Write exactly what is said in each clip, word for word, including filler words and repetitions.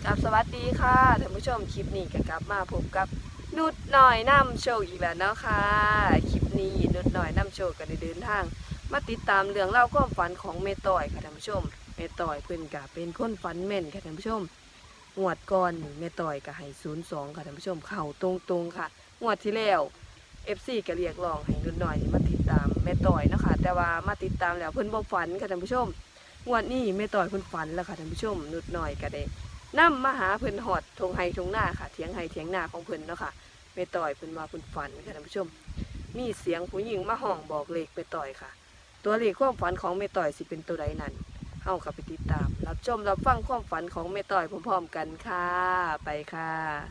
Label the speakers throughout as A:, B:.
A: กับสวัสดีค่ะท่านผู้ชมคลิปนี้ก็กลับมาพบกับนุดหน่อยนำโชคอีกแล้วเนาะค่ะคลิปนี้นุดหน่อยนำโชคก็ได้เดินทางมาติดตามเรื่องเล่าความฝันของเมต่อยค่ะท่านผู้ชมเมต่อยเพิ่นก็เป็นคนฝันแม่นค่ะท่านผู้ชมงวดก่อนนี่เมต่อยก็ให้ศูนย์สองค่ะท่านผู้ชมเข้าตรงๆค่ะงวดที่แล้ว เอฟ ซี ก็เรียกร้องให้นุดหน่อยนี่มาติดตามเมต่อยเนาะค่ะแต่ว่ามาติดตามแล้วเพิ่นบ่ฝันค่ะท่านผู้ชมงวดนี้เมต่อยเพิ่นฝันแล้วค่ะท่านผู้ชมนุดหน่อยก็ได้นำมาหาเพิ่นหอดทงไฮทงหน้าค่ะเถียงไฮเถียงหน้าของเพิ่นเนาะค่ะแม่ต่อยเพิ่นว่าเพิ่นฝันค่ะท่านผู้ชมมีเสียงผู้หญิงมาห้องบอกเลขแม่ต่อยค่ะตัวเลขความฝันของแม่ต่อยสิเป็นตัวใดนั้นเฮาก็ไปติดตามรับชมรับฟังความฝันของแม่ต่อยพร้อมๆกันค่ะไปค่ะ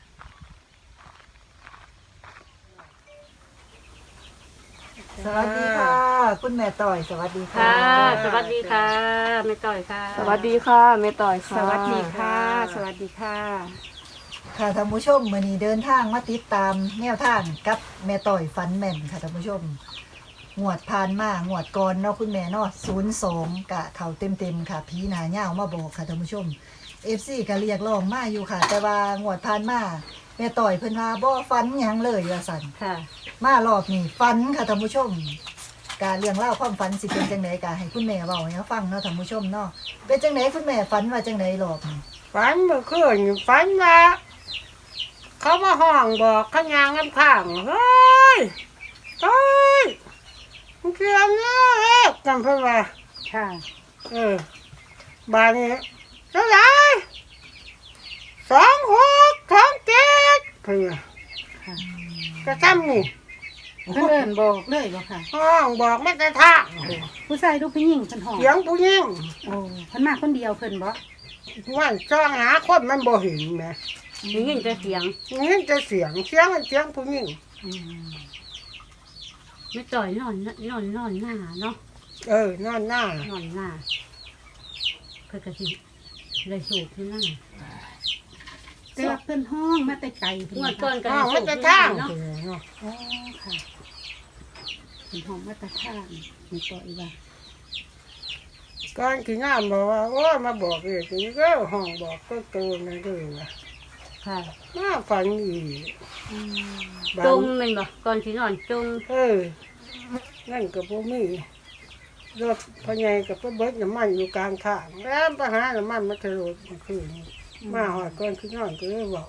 B: สวัสดีค่ะคุณแม่ต่อยสวัสดีค่ะ
C: ค่ะสวัสดีค่ะแม่ต่อยค่ะ
A: สวัสดีค่ะแม่ต่อยค่ะ
C: สวัสดีค่ะ สวัสดีค่ะ
B: ค่ะท่านผู้ชมมื้อนี้เดินทางมาติดตามแนวทางกับแม่ต่อยฟันแม่นค่ะท่านผู้ชมงวดผ่านมางวดก่อนเนาะคุณแม่เนาะศูนย์สองกะเข้าเต็มๆค่ะผีหน้าเหย้ามาบอกค่ะท่านผู้ชม เอฟ ซี ก็เรียกร้องมาอยู่ค่ะ แต่ว่างวดผ่านมาแม่ต่อยเพิ่นว่าบ่ฟันหยังเลยว่าซั่น
C: ค่ะ
B: มารอบนี้ฟันค่ะท่านผู้ชมการเรื่องเล่าวความฝันสิเป็นจังไดกะให้คุณแม่เว้าให้ฟังเนาะท่านผู้ชมเนาะเป็นจังไดคุณแม่ฝันว่าจังไดรอบนี้
C: ฝันเมื่อคืนฝันว่าเขามาห้องบอกขยางกันข้างเฮ้ยต้อยมึงเกี่ยวเนาะเอ๊ะจำเพิ่นว่าค่ะ เออบานนี้เท่าไหร่สองหกสองเจ็ดเพิ่นว่าจะทำนี่
D: เพิ่นเอิ้นบอกเลยบ่ค่ะ
C: ห้องบอกไม่กระทะ
D: ผู้ชายลูกผู้หญิงเพิ่นห้อง
C: เสียงผู้หญิง
D: โอ้เพิ่นมาคนเดียวเพิ่นบ่
C: ว่าจ้องหาคนมันบ่เห็นแหม
D: ได้ยินแต่เสียง
C: นี่จะเสียงเสียงเสียงผู้หญิง
D: อืมไม่ต่อยนอนนอนนอนหน้าเนาะ
C: เออนอนหน้าน
D: อนหน้าเพิ่นก็สิได้สูบที่หน้าแต่ว่าเพิ่นห้องมาแต่ไกลเพิ่น
C: งวด
D: ก่
C: ก่
D: อ
C: อน น
D: ก็
C: ก็
D: ได้
C: มัน
D: สูบ
C: จะ
D: ที่
C: ทาง
D: เนาะ
C: เนาะ
D: อ๋อค่ะเพิ่นห้องมาแต่ทางไม่ต่อยว่า
C: ก่อนที่งานบอกว่าโอ้ยมาบอกเองนี่ก็ห้องบอกก็โตนั่นเลยว่า
D: ค่ะ
C: มาฝันอีก
D: อืม
C: บา
D: จ
C: ง
D: มแม่นบ่ก่อนสินอนจม
C: เออนั่นก็บ่มีรถพญายกับเบิดน้ำมันอยู่กลางทางแล้วไปหาน้ำมันมาทะลุคืนมาหอดก่อนที่นอนก็เลยบอก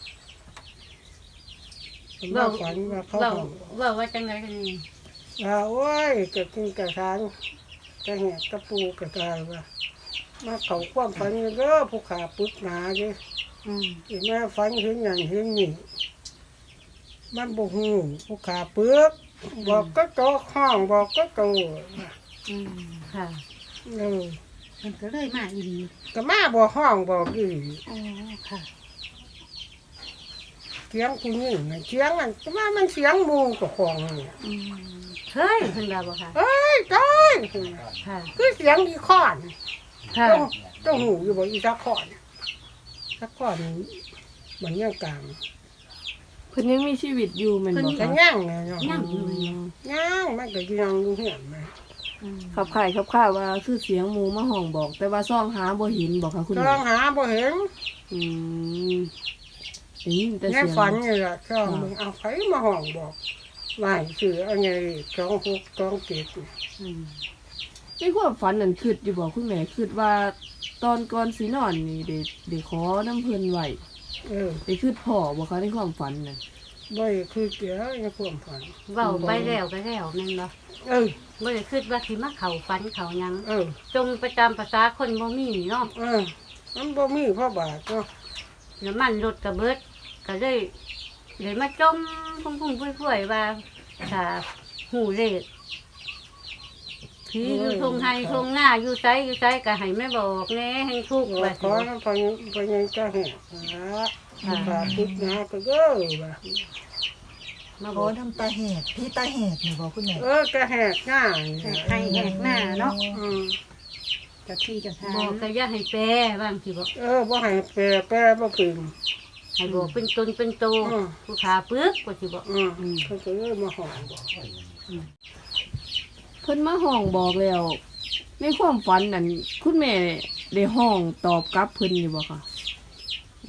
C: มาฝันว่าเขา
D: เว้า
C: ห้อง
D: เว้าว่าจังไดกันนี่
C: ว่าโอ้ยกะกินกะทานกะแหกกะปูกะกายว่ามาเขาความฝันเด้อผู้ขาปึกหนาเด้
D: อืม
C: อีแม่ฝันเห็นอย่างเห็นนี่มันบ่ฮู้ผู้ขาปึกบอกก็โตห้องบอกก็โต
D: อืมค่ะ
C: เออ
D: มันก็เลยมาอีดี
C: ก็มาบอกห้องบอกอี
D: อ๋อค่ะ
C: เสียงผู้หญิงน่ะเสียงอันก็มามันเสียงหมู่กับของนี่
D: อืมเฮ้ยเพิ่นว่าบ่ค่ะ
C: เอ้ยตาย
D: ค่ะ
C: คือเสียงอีคอน
D: ค่ะ
C: ต้องต้องหูอยู่บ่อีตะคอนตะคอนมันยังกลาง
A: เพิ่นยังมีชีวิตอยู่แม่นบ่
C: ก็
A: คะ
C: ย่างไงเนาะ
D: ย่างอยู่เนาะ
C: ย่างมันก็ยังอยู่เหียนมา
D: อืม
A: ขับข่ายขับข่ายว่าคือเสียงหมูมาห้องบอก แต่ว่าซ่องหาบ่เห็นบอกค่ะคุณ
C: ต้
A: แม่
C: องหาบ่เห็น
A: อืมได้ยินแต่
C: ใน
A: เสียง
C: ฝันนี่แหละช่องมึงเอาไฟมาห้องบอกว่าให้ซื้อเอาไงสองหกสองเจ็ด
D: อืม
A: ในความฝันนั่นคิดอยู่บอกคุณแม่คิดว่าตอนก่อนสินอนนี่ได้ได้ขอน้ำเพิ่นไว้
C: เออ
A: ได้คิดพ่อบ่คะในความฝันน่ะ
C: บ่ได้คือเกี่ยวในความฝัน
D: เว้าไปแล้วก็แล้วแม่นบ่
C: เออ
D: บ่ได้คิดว่าสิมาเข้าฝันเข้าหยัง
C: เออ
D: จงประจำภาษาคนบ่มีเนาะ
C: เออมันบ่มีพ่อบาทเนาะ
D: น้ำมันรถก็เบิดก็เลยเลยมาจมพุ่งๆพุ่ยๆว่าถ้าหูเลขผีอยู่ทงไห้ทงหน้าอยู่ไสอยู่ไสก็ให้แม่บอกแหน่ให้ทุกข์
C: ว่า
D: ว่า
C: ขอน้ำพยังพยังจะแหกนะขาติดนะก็เด้อว่า
D: มาบ
B: โอ้
D: อก
B: ทำตาแหกพี่ตาแหกนี่บอกคุณแม่
C: เออจะแหกง่าย
D: ให้แหกหน้าเนาะ
C: อืม
D: เจ้าที่เจ้าทางบอกก็อย่าให้แปรบางทีบอก
C: เออบ่ให้แปรแปรบ่เป็น
D: ให้บอกเป็นตนเป็นโต
C: อืม
D: ผู้ขาปึกก็สิบอก
C: อืมเขาก็เลยมาห้องบอก
A: เพิ่นมาห้องบอกแล้ว ในความฝันนั่นคุณแม่ได้ห้องตอบกลับเพิ่นอยู่บ่คะ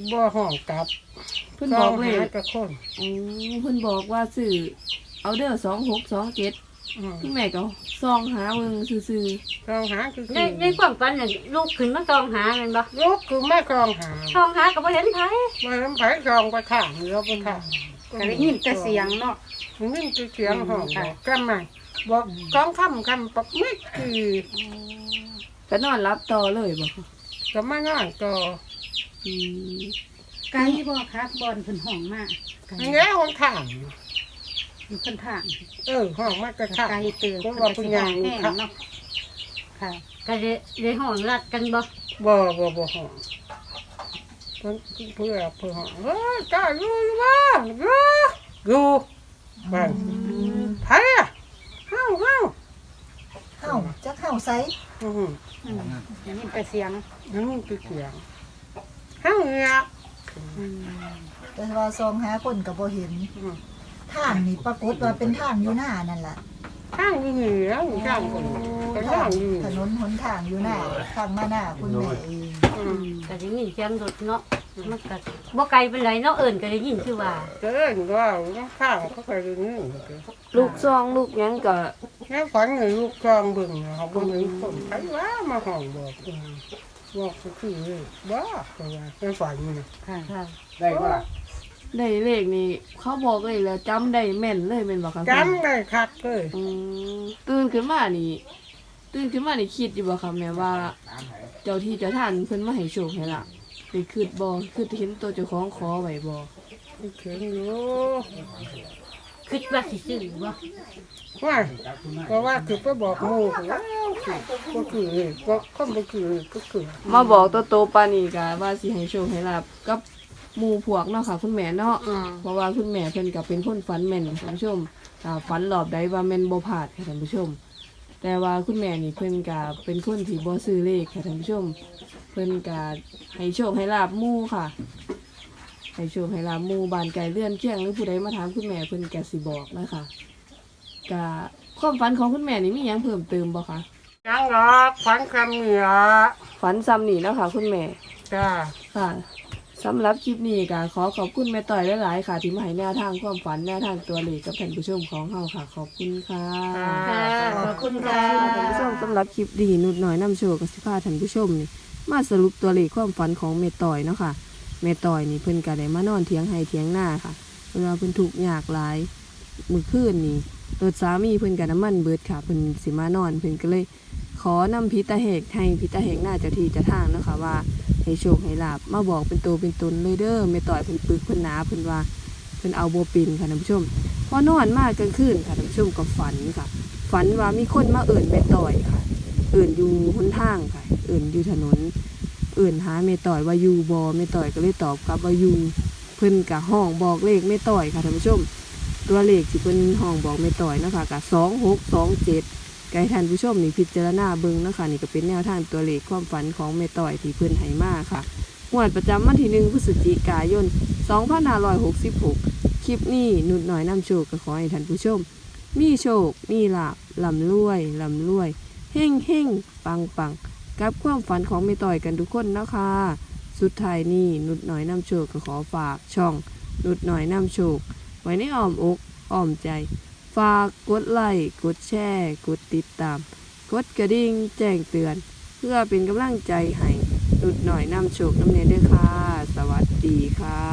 C: บ่ห้องกลับ
A: เพิ่นบอกเล
C: หา
A: ข
C: กับคน
A: อ๋อเพิ่นบอกว่าซื้อเอาเด้อสองหกสองเจ็ด
C: อืม
A: คุณแม่ก็ซองหาเบิ่งซื่อ
C: ลองหาคือ
D: ในในความฝันน่ะลูกขึ้นมาซองหาแม่นบ่
C: ลูกคือแม่กองหา
D: ซองหาก็บ่เห็นไผ
C: มาทำไผกองไปข้างเรือไปข้าง
E: ก็ได้ยินแต่เสียงเนาะ
C: ได้ยินแต่เสียงห้องบอกกันใหม่บอกกองค่ำคำปักไม่คือ
A: ๆก็นอนรับต่อเลยบ่คะ
C: ก็มาง่ายต่อ
A: อืม
E: ไกลบ่ครับบอนเพิ่นห้องมากไกล
C: อันนี้ห้องข้าง
E: อยู่เพิ่นทาง
C: เออห้องมากกระ
E: ไกล
C: ข้าง
E: เตือน
C: เพราะ
E: เพิ่น
C: ว่า
E: ก็
C: เพิ่
E: สิ
C: น
E: ห้
C: ย่า
E: อง ง
C: อยู่
E: แห้ง
C: ข้าง
E: เนาะค่ะ
D: ก็ได้ได้ห้องรัดกันบ่
C: บ่บ่บ่ห้องเพิ่นเพื่อเพื่อห้องเฮ้ยกล้าอยู่อยู่บ่อยู่อยู่บ้านไผอ่ะเฮาเฮา
B: เฮาจักเฮาไส
C: อือ
E: อืมได้ยินแต่เสียง
C: นั่นคือเสียงเฮาเนี่ย
E: อืม
B: แต่ว่าซองหาคนก็บ่เห็น
C: อืม
B: ทางนี่ปรากฏว่าเป็นทางอยู่หน้านั่นล่ะ
C: ข้างอยู่นี่แล้วข้างคนก็
B: ทา
C: ข้าง งอยู่
B: ถนนหนทางอยู่หน้าทางมาหน้าคุณแม่เอง
C: อืม
D: ก็ได้ยินเสียงรถเนาะมันก็บ่ไกลปานใดเนาะเอิ้นก็ได้ยินคือว่า
C: เดินก็ข้างเขาก็อยู่นี่
A: ลูกซองลูกหยังก็
C: แค่ฝันเห็นลูกกองบึงเขาบึงเห็นคนใครว่ามาห้องบอกอืมบอกก็คือบ้าก็ว่าแค่ฝันนี่
E: ค่ะ
D: ค่ะ
F: ได้ก็ล่ะ
A: ได้เลขนี่เขาบอกเลยแล้วจำได้แม่นเลยแม่นบ่คะ
C: จำได้คักเลย
A: อืมตื่นขึ้นมานี่ตื่นขึ้นมานี่คิดอยู่บ่คะแม่ว่า เจ้าที่เจ้าทานเพิ่นมาให้โชคให้ลาภได้คิดบ่คิดเห็นตัวเจ้าของขอไว้บ่
C: เขียนอยู่
D: คิดว่าสิซื้อบ่
C: ว่าก็ว่าคือไปบอกหมูก็ก็คือก็คนก็คือก็คือ
A: มาบอกตัวโตปานนี้ก็ว่าสิให้โชคให้ลาภกับหมู่พวกเนาะค่ะคุณแม่เนาะ
C: อืม
A: เพราะว่าคุณแม่เพิ่นก็เป็นคนฝันแม่นท่านผู้ชมถ้าฝันรอบใดว่าแม่นบ่พลาดค่ะท่านผู้ชม แต่ว่าคุณแม่นี่เพิ่นก็เป็นคนที่บ่ซื้อเลขค่ะท่านผู้ชม เพิ่นก็ให้โชคให้ลาบหมู่ค่ะ ให้โชคให้ลาบหมู่บ้านไกลเลื่อนเคียงหรือผู้ใดมาถามคุณแม่เพิ่นก็สิบอกนะคะก็ความฝันของคุณแม่นี่มีหยังเพิ่มเติมบ่คะ
C: ยังหรอกฝันคำเหนือ
A: ฝันซ้ำนี่แล้วค่ะคุณแม่
C: จ้า
A: ค่ะสำหรับคลิปนี้ก็ขอขอบคุณแม่ต่อยหลายๆค่ะ ที่มาให้แนวทางความฝันแนวทางตัวเลขกับท่านผู้ชมของเฮาค่ะ ขอบคุณค่ะ
D: ค่ะ
B: ขอบคุณค่ะ
A: ท่านผู้ชมสำหรับคลิปดีนุดหน่อยนำโชว์กับสิพาท่านผู้ชมนี่มาสรุปตัวเลขความฝันของแม่ต่อยเนาะค่ะแม่ต่อยนี่เพิ่นก็ได้มานอนเถียงให้เถียงหน้าค่ะเวลาเพิ่นทุกข์ยากหลายมื้อคืนนี่รถสามีเพิ่นก็น้ำมันเบิดค่ะเพิ่นสิมานอนเพิ่นก็เลย ขอนำพิตาเหกให้พิตาเหกหน้าเจ้าที่เจ้าทางเนาะค่ะว่าให้โชคให้ลาบมาบอกเป็นตัวเป็นตนเลยเด้อแม่ต่อยเพิ่นปึกเพิ่นหนาเพิ่นว่าเพิ่นเอาบ่เป็นค่ะท่านผู้ชมพอนอนมากกลางคืนค่ะท่านผู้ชมก็ฝันค่ะ ฝันว่ามีคนมาเอิ่นแม่ต่อยค่ะ เอิ่นอยู่หนทางค่ะ เอิ่นอยู่ถนน เอิ่นหาแม่ต่อยว่าอยู่บ่แม่ต่อยก็เลยตอบกลับว่าอยู่เพิ่นกะห้องบอกเลขแม่ต่อยค่ะท่านผู้ชม ตัวเลขที่เพิ่นห้องบอกแม่ต่อยเนาะค่ะกะสองหกสองเจ็ดไกท่านผู้ชมนี่พิจารณาเบิ่งเนาะค่ะนี่ก็เป็นแนวทางตัวเลขความฝันของแม่ต่อยที่เพิ่นให้มาค่ะงวดประจำวันที่หนึ่งพฤศจิกายนสองพันห้าร้อยหกสิบหกคลิปนี้นุดหน่อยนำโชคก็ขอให้ท่านผู้ชม มีโชค มีลาบลำรวยลำรวยเฮ่งเฮ่งปังปังกับความฝันของแม่ต่อยกันทุกคนนะคะสุดท้ายนี้นุดหน่อยนำโชคก็ขอฝากช่องนุดหน่อยนำโชค ไว้ในอ้อมอกอ้อมใจ ฝากกดไลค์กดแชร์กดติดตาม กดกระดิ่งแจ้งเตือน เพื่อเป็นกำลังใจให้นุดหน่อยนำโชคนำเนียด้วยค่ะ สวัสดีค่ะ